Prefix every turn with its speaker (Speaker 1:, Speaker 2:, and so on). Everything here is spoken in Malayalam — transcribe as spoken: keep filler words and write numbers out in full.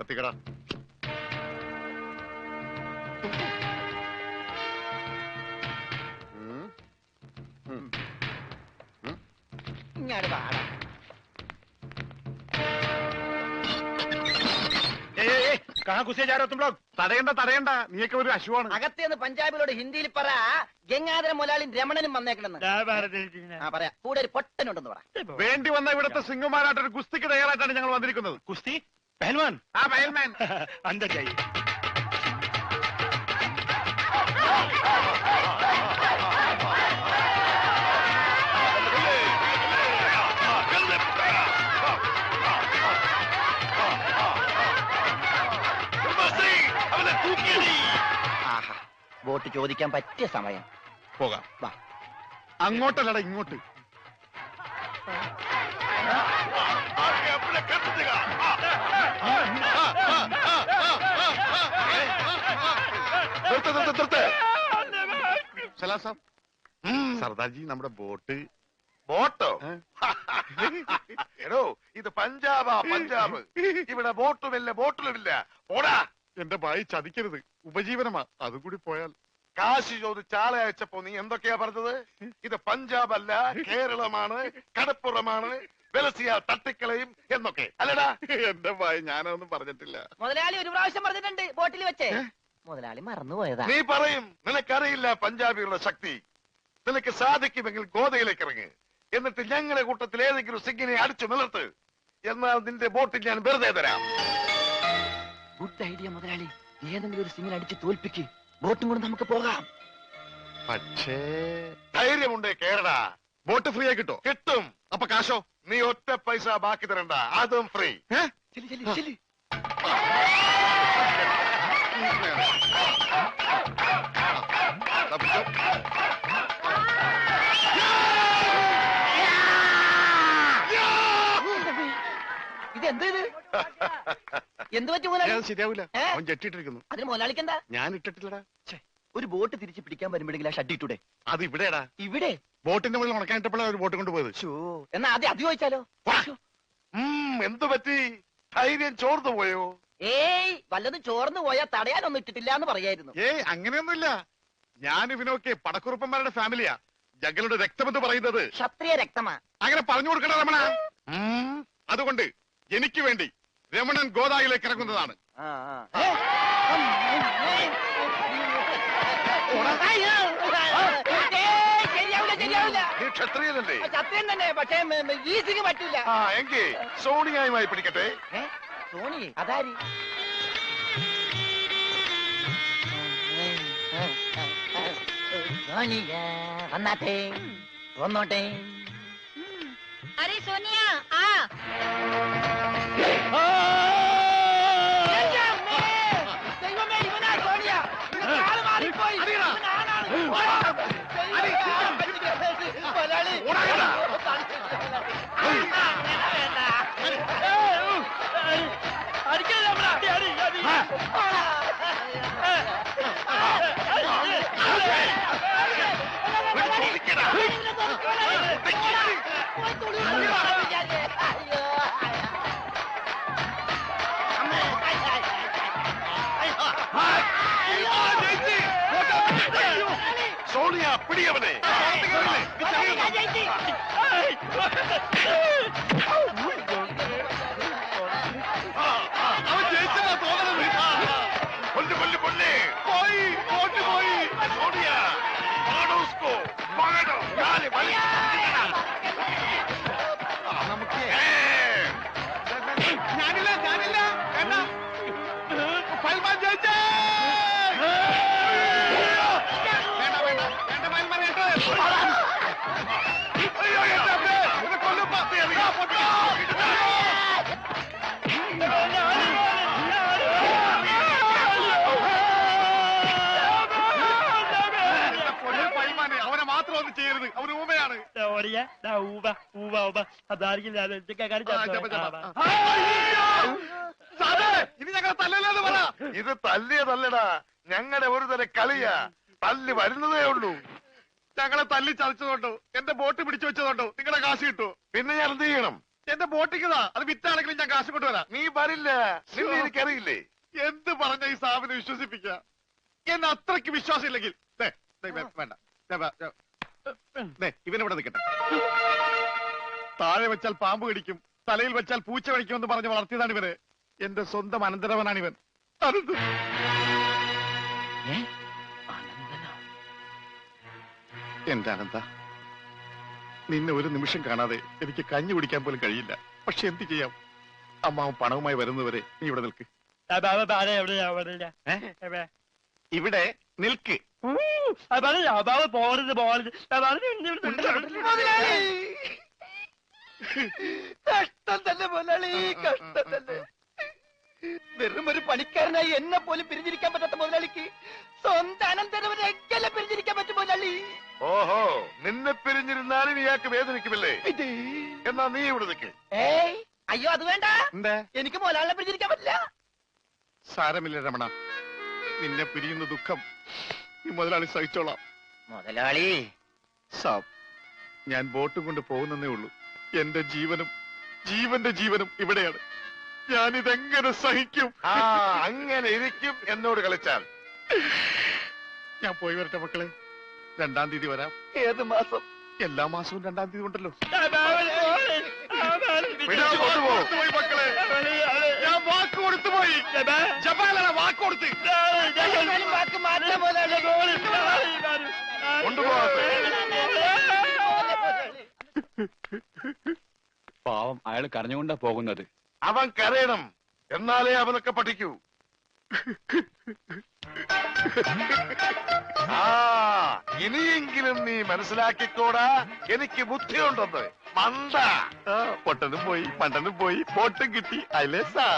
Speaker 1: കത്തിക്കട.
Speaker 2: ഇങ്ങോട്ട് പാടാ.
Speaker 1: തടയണ്ട തടയണ്ട, നീയൊക്കെ ഒരു അശുവാണ്.
Speaker 2: അകത്തേന്ന് പഞ്ചാബിലോട് ഹിന്ദിയിൽ പറ ഗംഗാധര മുലാളിയും രമണനും വന്നേക്കണെന്ന്. ആ പറയാ. കൂടെ ഒരു പൊട്ടനുണ്ടെന്ന് പറ.
Speaker 1: വേണ്ടി വന്ന ഇവിടുത്തെ സിംഗുമാരായിട്ടൊരു കുസ്തിക്ക് തയ്യാറായിട്ടാണ് ഞങ്ങൾ വന്നിരിക്കുന്നത്.
Speaker 3: കുസ്തി പഹൽവാൻ.
Speaker 1: ആ പഹൽമാൻ
Speaker 3: അന്തർ ജായി.
Speaker 2: വോട്ട് ചോദിക്കാൻ പറ്റിയ സമയം.
Speaker 1: പോകാം. വാ. അങ്ങോട്ടല്ലട ഇങ്ങോട്ട്. സർദാർജി, നമ്മുടെ ബോട്ട്.
Speaker 4: ബോട്ടോ? എടോ, ഇത് പഞ്ചാബാ പഞ്ചാബ്. ഇവിടെ ബോട്ടുമില്ല ബോട്ടിലുമില്ല. ഓടാ.
Speaker 1: എന്റെ ഭായി ചതിക്കരുത്, ഉപജീവനമാ. അതും കൂടി പോയാൽ.
Speaker 4: കാശി ചോദിച്ച് ആളെ അയച്ചപ്പോ നീ എന്തൊക്കെയാ പറഞ്ഞത്? ഇത് പഞ്ചാബ് അല്ല, കേരളമാണ്, കടപ്പുറമാണ്, വെലസിയ തട്ടിക്കളയും എന്നൊക്കെ അല്ലടാ.
Speaker 1: എന്റെ ഭായി ഞാനൊന്നും പറഞ്ഞിട്ടില്ല.
Speaker 2: മുതലാളി ഒരു പ്രാവശ്യം പറഞ്ഞിട്ടുണ്ട് ബോട്ടിൽ വെച്ചേ. മുതലാളി മറന്നുപോയതാ.
Speaker 4: നീ പറയും നിനക്കറിയില്ല പഞ്ചാബികളുടെ ശക്തി. നിനക്ക് സാധിക്കുമെങ്കിൽ ഗോതയിലേക്ക് ഇറങ്ങ്. എന്നിട്ട് ഞങ്ങളുടെ കൂട്ടത്തിൽ ഏതെങ്കിലും സിംഗിനെ അടിച്ചു നിലർത്ത്. എന്നാൽ നിന്റെ ബോട്ടിൽ ഞാൻ വെറുതെ തരാം.
Speaker 2: ഗുഡ് ഐഡിയ മുതലാളി. ഏതെങ്കിലും ഒരു സിംഗിനെ അടിച്ച് തോൽപ്പിക്ക്. ബോട്ടും കൊണ്ട് നമുക്ക് പോകാം.
Speaker 1: പക്ഷേ
Speaker 4: ധൈര്യമുണ്ടേ കേരള.
Speaker 1: ബോട്ട് ഫ്രീ ആയി കിട്ടോ?
Speaker 4: കിട്ടും.
Speaker 1: അപ്പൊ കാശോ?
Speaker 4: നീ ഒറ്റ പൈസ ബാക്കി തരണ്ട, അതും ഫ്രീ.
Speaker 2: ഇതെന്ത് ഇത്? എന്ത് പറ്റി മുതലാളി?
Speaker 1: ശരിയാവില്ല. അവൻ ജെട്ടിട്ടിരിക്കുന്നു.
Speaker 2: അതിന് മുതലാളിക്ക് എന്താ?
Speaker 1: ഞാൻ ഇട്ടിട്ടില്ലടാ.
Speaker 2: ഒരു ബോട്ട് തിരിച്ച് പിടിക്കാൻ വരുമ്പോഴെങ്കിലും ആ ഷഡ് ഇട്ടൂടെ?
Speaker 1: അത് ഇവിടെടാ.
Speaker 2: ഇവിടെ
Speaker 1: ബോട്ടിന്റെ മുകളിൽ ഉണക്കാനിട്ടപ്പോഴാണ് ഒരു ബോട്ട് കൊണ്ടുപോയത്.
Speaker 2: എന്നാ ആദ്യം അത് ചോദിച്ചാലോ?
Speaker 4: എന്തു പറ്റി? ധൈര്യം ചോർന്നു പോയോ?
Speaker 2: ഏയ്, വല്ലതും ചോർന്നു പോയാൽ തടയാനൊന്നും ഇട്ടിട്ടില്ല എന്ന് പറയായിരുന്നു.
Speaker 1: ഏയ്, അങ്ങനെയൊന്നുമില്ല. ഞാൻ ഇവനൊക്കെ പടക്കുറുപ്പന്മാരുടെ ഫാമിലിയാ. ജഗലുടെ രക്തമെന്ന് പറയുന്നത്
Speaker 2: ക്ഷത്രിയ രക്തമാ.
Speaker 1: അങ്ങനെ പറഞ്ഞു കൊടുക്കണ രമണ. അതുകൊണ്ട് എനിക്ക് വേണ്ടി രമണൻ ഗോദായിലേക്ക് ഇറങ്ങുന്നതാണ്.
Speaker 4: ക്ഷത്രിയനല്ലേ?
Speaker 2: ക്ഷത്രിയൻ തന്നെ, പക്ഷേ ഈ സിംഗ് പറ്റില്ല.
Speaker 4: ആ എങ്കിൽ സോണിയായുമായി പിടിക്കട്ടെ.
Speaker 2: സോണി അതാരി? സോണിയ വന്നാട്ടെ, വന്നോട്ടെ.
Speaker 5: अरे सोनिया आ
Speaker 4: സോണിയ പിടിയവനെ. കൊല്ലു കൊല്ലു കൊല്ലേ പോയി പോട്ട് പോയി. സോണിയ ഞാനില്ല ഞാനില്ല വേണ്ട. പൽമാൻ ജയിച്ചേ. വേണ്ട വേണ്ട വേണ്ട പൽമാൻ കേട്ടോ. അയ്യോ എന്നെ കൊല്ലും. അവനെ മാത്രം ഒന്നും ചെയ്യരുത്, അവന് ഊമയാണ്. ഇനി ഞങ്ങൾ തല്ലല്ലെന്ന് പറ. ഇത് തല്ലിയതല്ലടാ, ഞങ്ങളുടെ ഒരു തരം കളിയാ. തല്ലി വരുന്നതേ ഉള്ളൂ. ഞങ്ങളെ തല്ലി ചതച്ചതുകൊണ്ടോ എന്റെ ബോട്ട് പിടിച്ചു വെച്ചതുകൊണ്ടോ നിങ്ങളെ കാശ് കിട്ടുമോ? പിന്നെ ഞാൻ എന്ത് ചെയ്യണം?
Speaker 1: എന്റെ ബോട്ടിക്കതാ, അത് വിറ്റാണെങ്കിലും ഞാൻ കാശ് കൊണ്ടുവരാം.
Speaker 4: നീ വരില്ല, നിന്നെ എനിക്കറിയില്ലേ.
Speaker 1: എന്ത് പറഞ്ഞ ഈ സാബിനെ വിശ്വസിപ്പിക്ക? എന്നെ അത്രയ്ക്ക് വിശ്വാസം ഇല്ലെങ്കിൽ ദേ, ദേ, വേ- വേണ്ട ദേ, വേ- ദേ, ദേ, ഇവനിവിടെ നിൽക്കട്ടെ. താഴെ വെച്ചാൽ പാമ്പ് കടിക്കും, തലയിൽ വെച്ചാൽ പൂച്ച കടിക്കുമെന്ന് പറഞ്ഞ് വളർത്തിയതാണ് ഇവര്. എന്റെ സ്വന്തം അനന്തരവനാണ് ഇവൻ. അനന്ത എന്റെ അനന്ത, നിന്നെ ഒരു നിമിഷം കാണാതെ എനിക്ക് കഞ്ഞി കുടിക്കാൻ പോലും കഴിയില്ല. പക്ഷെ എന്ത് ചെയ്യാം, അമ്മാവൻ പണവുമായി വരുന്നവരെ നീ ഇവിടെ നിൽക്ക്. ഇവിടെ നിൽക്ക്.
Speaker 3: പോകരുത് പോകരുത്
Speaker 2: കഷ്ടം തന്നെ മുതലാളി, കഷ്ടം തന്നെ. വെറും ഒരു പണിക്കാരനായി എന്നെ പോലും പിരിഞ്ഞിരിക്കാൻ പറ്റാത്ത മുതലാളിക്ക് സ്വന്തം അനന്തരവനെ എങ്ങനെ പിരിഞ്ഞിരിക്കാൻ പറ്റും മുതലാളി?
Speaker 4: ഓഹോ, നിന്നെ പിരിഞ്ഞിരുന്നാലും ഇയാൾക്ക് വേദനിക്കുമല്ലേ? എന്നാ നീ ഇവിടെ നിൽക്ക്.
Speaker 2: ഏയ് അയ്യോ, അത് വേണ്ട.
Speaker 1: എന്താ?
Speaker 2: എനിക്ക് മുതലാളിനെ പിരിഞ്ഞിരിക്കാൻ പറ്റില്ല.
Speaker 1: സാരമില്ല രമണ, നിന്നെ പിരിയുന്ന ദുഃഖം ഈ മുതലാളി സഹിച്ചോളാം.
Speaker 2: മുതലാളി
Speaker 1: സാബ്, ഞാൻ ബോട്ടും കൊണ്ട് പോകുന്നേ ഉള്ളൂ. എന്റെ ജീവനും ജീവന്റെ ജീവനും ഇവിടെയാണ്. ഞാനിതെങ്ങനെ സഹിക്കും?
Speaker 4: ആ, അങ്ങനെ ഇരിക്കും എന്നോട് കളിച്ചാൽ.
Speaker 1: ഞാൻ പോയി വരട്ടെ മക്കളെ. രണ്ടാം തീയതി വരാം.
Speaker 2: ഏത് മാസം?
Speaker 1: എല്ലാ മാസവും രണ്ടാം തീയതി ഉണ്ടല്ലോ.
Speaker 4: വിടാൻ കൊണ്ടുപോ.
Speaker 1: പോയി മക്കളെ, ഞാൻ വാക്ക് കൊടുത്തു പോയി. ജപാലാണ് വാക്ക് കൊടുത്ത്.
Speaker 2: എന്നാലും വാക്ക് മാറ്റാൻ മുതലാളി.
Speaker 4: കൊണ്ടുപോകാത്ത
Speaker 3: പാവം, അയാൾ കരഞ്ഞുകൊണ്ടാ പോകുന്നത്.
Speaker 4: അവൻ കരയണം, എന്നാലേ അവനൊക്കെ പഠിക്കൂ. ആ, ഇനിയെങ്കിലും നീ മനസ്സിലാക്കിക്കോടാ, എനിക്ക് ബുദ്ധിയുണ്ടെന്ന്. മണ്ട.
Speaker 1: പൊട്ടനും പോയി, പണ്ടനും പോയി, ബോട്ടും കിട്ടി. അല്ലേ സാർ?